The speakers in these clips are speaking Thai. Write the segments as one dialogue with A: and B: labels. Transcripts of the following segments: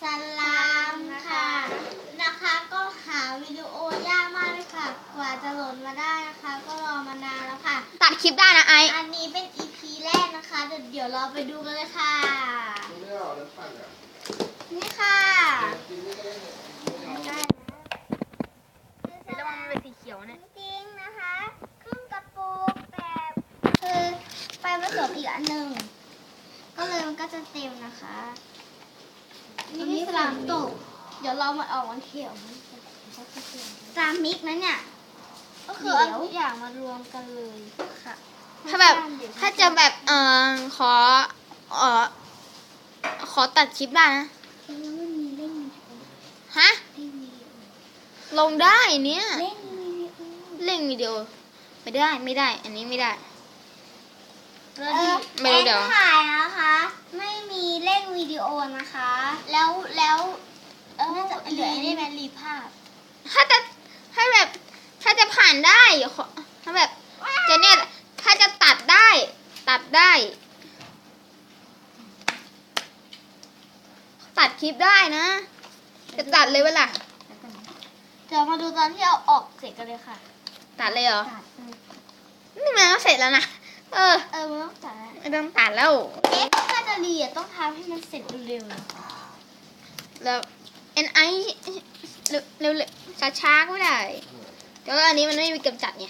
A: สลามค่ะนะคะก็หาวิดีโอยากมากเลยค่ะกว่าจะโหลดมาได้นะคะก็รอมานานแล้วค่ะ
B: ตัดคลิปได้นะไอ
A: อันนี้เป็น EP แรกนะคะเดี๋ยวเราไปดูกันเลยค่ะนี่ค่ะได้
B: ระวังมันเป็นสีเขียวเนี่ย
A: จริงๆนะคะครึ่งกระปุกแต่คือไปผสมอีกอันหนึ่งก็เลยมันก็จะเต็มนะคะนี่สลามตกเดี๋ยวเรามาออกวันเขียวสลามมิกนะเนี่ยก็คือเอาทุกอย่างมารวมกันเลยค่ะ
B: ถ้าแบบถ้าจะแบบขอตัดคลิปได้นะ
A: แล้วมันมีเล่น
B: ฮะลงได้เนี่ย
A: เล่นวิดีโอ
B: เล่นวิดีโอไม่ได้อันนี้ไม่ได้ไม่รู้
A: เอ็น
B: เดี๋ยว
A: ถ่ายนะคะไม่มีเล่นวิดีโอนะคะแล้วน่าจะเหลือได้ไหมรีภาพ
B: ถ้าแบบถ้าจะผ่านได้ถ้าแบบจะเนี่ยถ้าจะตัดได้ตัดคลิปได้นะจะตัดเลยเวลา
A: เดี๋ยวมาดูตอนที่เอาออกเสร็จกันเลยค่ะ
B: ตัดเลยเหรอ
A: ตัด
B: นี่มันก็เสร็จแล้วนะ
A: มันต้องตัดแล้ว
B: ไม่ต้องตัดแล้ว
A: ถ้าจะรีต้องทำให้มันเสร็จเร็ว
B: แล้วNI เร็วช้าๆก็ไม่ได้แต่ว่าอันนี้มันไม่มีกำจัดไง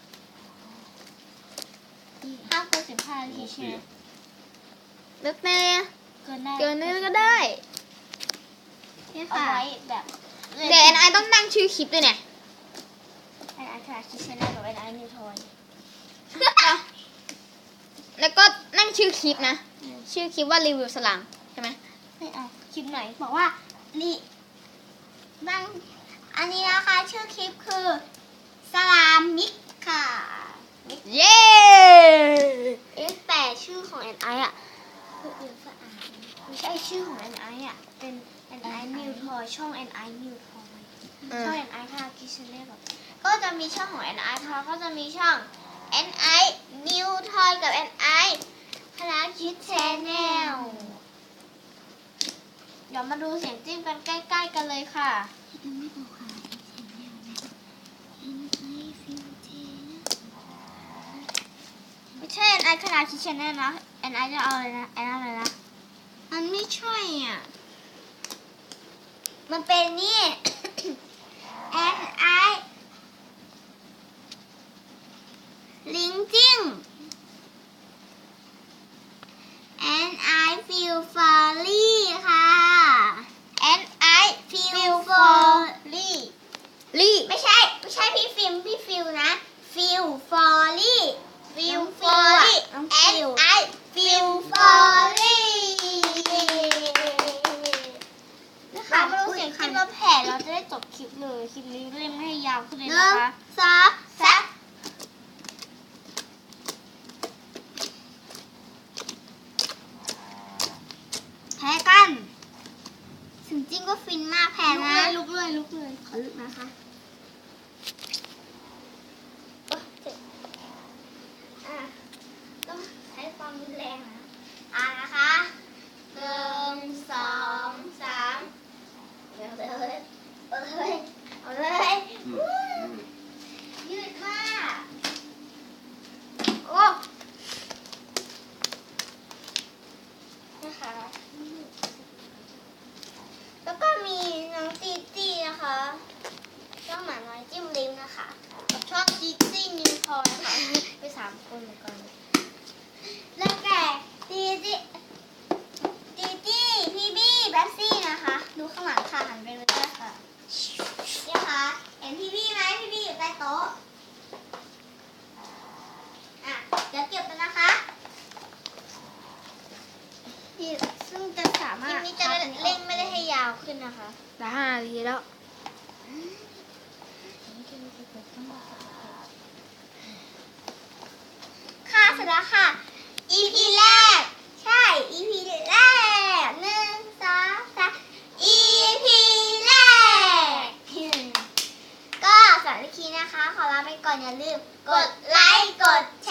A: ห้าเกิน15 นาทีใช่ไหม
B: แล้วแต่
A: เกินได้
B: เกินนี้ก็ได้
A: นี่ค่ะไว้แบบ
B: เดี๋ยวNI ต้องตั้งชื่อคลิปด้วยเนี่ย
A: NI ค่ะคิดใช้ได้กับ NI นิวทอย
B: แล้วก็นั่งชื่อคลิปนะ ชื่อคลิปว่ารีวิวสลามใช่ไหม
A: ไม่เอาคลิปไหนบอกว่าบ้างอันนี้นะคะชื่อคลิปคือสลามมิกค่ะ
B: เย้
A: แต่ชื่อของ NI อ่ะคืออื่นสะอาดไม่ใช่ชื่อของ NI อ่ะเป็น NI นิวทอยช่อง NI นิวทอยช่อง NI ค่ะคิดใช้ได้แบบก็จะมีช่องของ NI ทอยก็จะมีช่อง NI นิวทอยกับ NI คณะคิดแชนแนลเดี๋ยวมาดูเสียงจิ้มกันใกล้ๆกันเลยค่ะไม่ใช่ NI คณะคิดแชนแนลนะ NI จะเอาอะไรนะ NI อะไรนะมันไม่ใช่อ่ะมันเป็นนี่ NI ลิงจิ้ง NI feel folly ค่ะ NI feel folly ไม่ใช่พี่ฟิล์มพี่ฟิลนะ feel folly feel folly NI feel folly เรามาดูเสียงคลิปเราแผ่เราจะได้จบคลิปเลยคลิปนี้เล่นไม่ให้ยาวขึ้นเลยนะคะ3 แพ้กันถึงจริงก็ฟินมากแพ้นะลุกเลยขอลุกนะคะต้องใช้ความรุนแรงนะนะคะ1 2 3เอาเลยยืดมากโอ้นะคะแล้วก็มีน้องจีจี้นะคะช่องหมาน้อยจิ้มลิ้มนะคะกับช่องจีจี้นิวทอยนะคะไป3 คนเหมือนกันแล้วแต่จีจี้พี่บี้แบ็คซี่นะคะดูข้างหลังค่ะหันไปเลยค่ะนี่ค่ะเห็นพี่บี้ไหมพี่บี้อยู่ใต้โต๊ะเดี๋ยวเก็บกันนะคะซึ่งจะสามารถคลิปนี้จะเล่นไม่ได้ให้ยาวขึ้นนะคะ
B: ได้5 นาทีแล้ว
A: ค่ะเสร็จแล้วค่ะ EP แรกใช่ EP แรก1 2 3 EP แรกก็สำหรับคลิปนี้นะคะขอลาไปก่อนอย่าลืมกดไลค์กด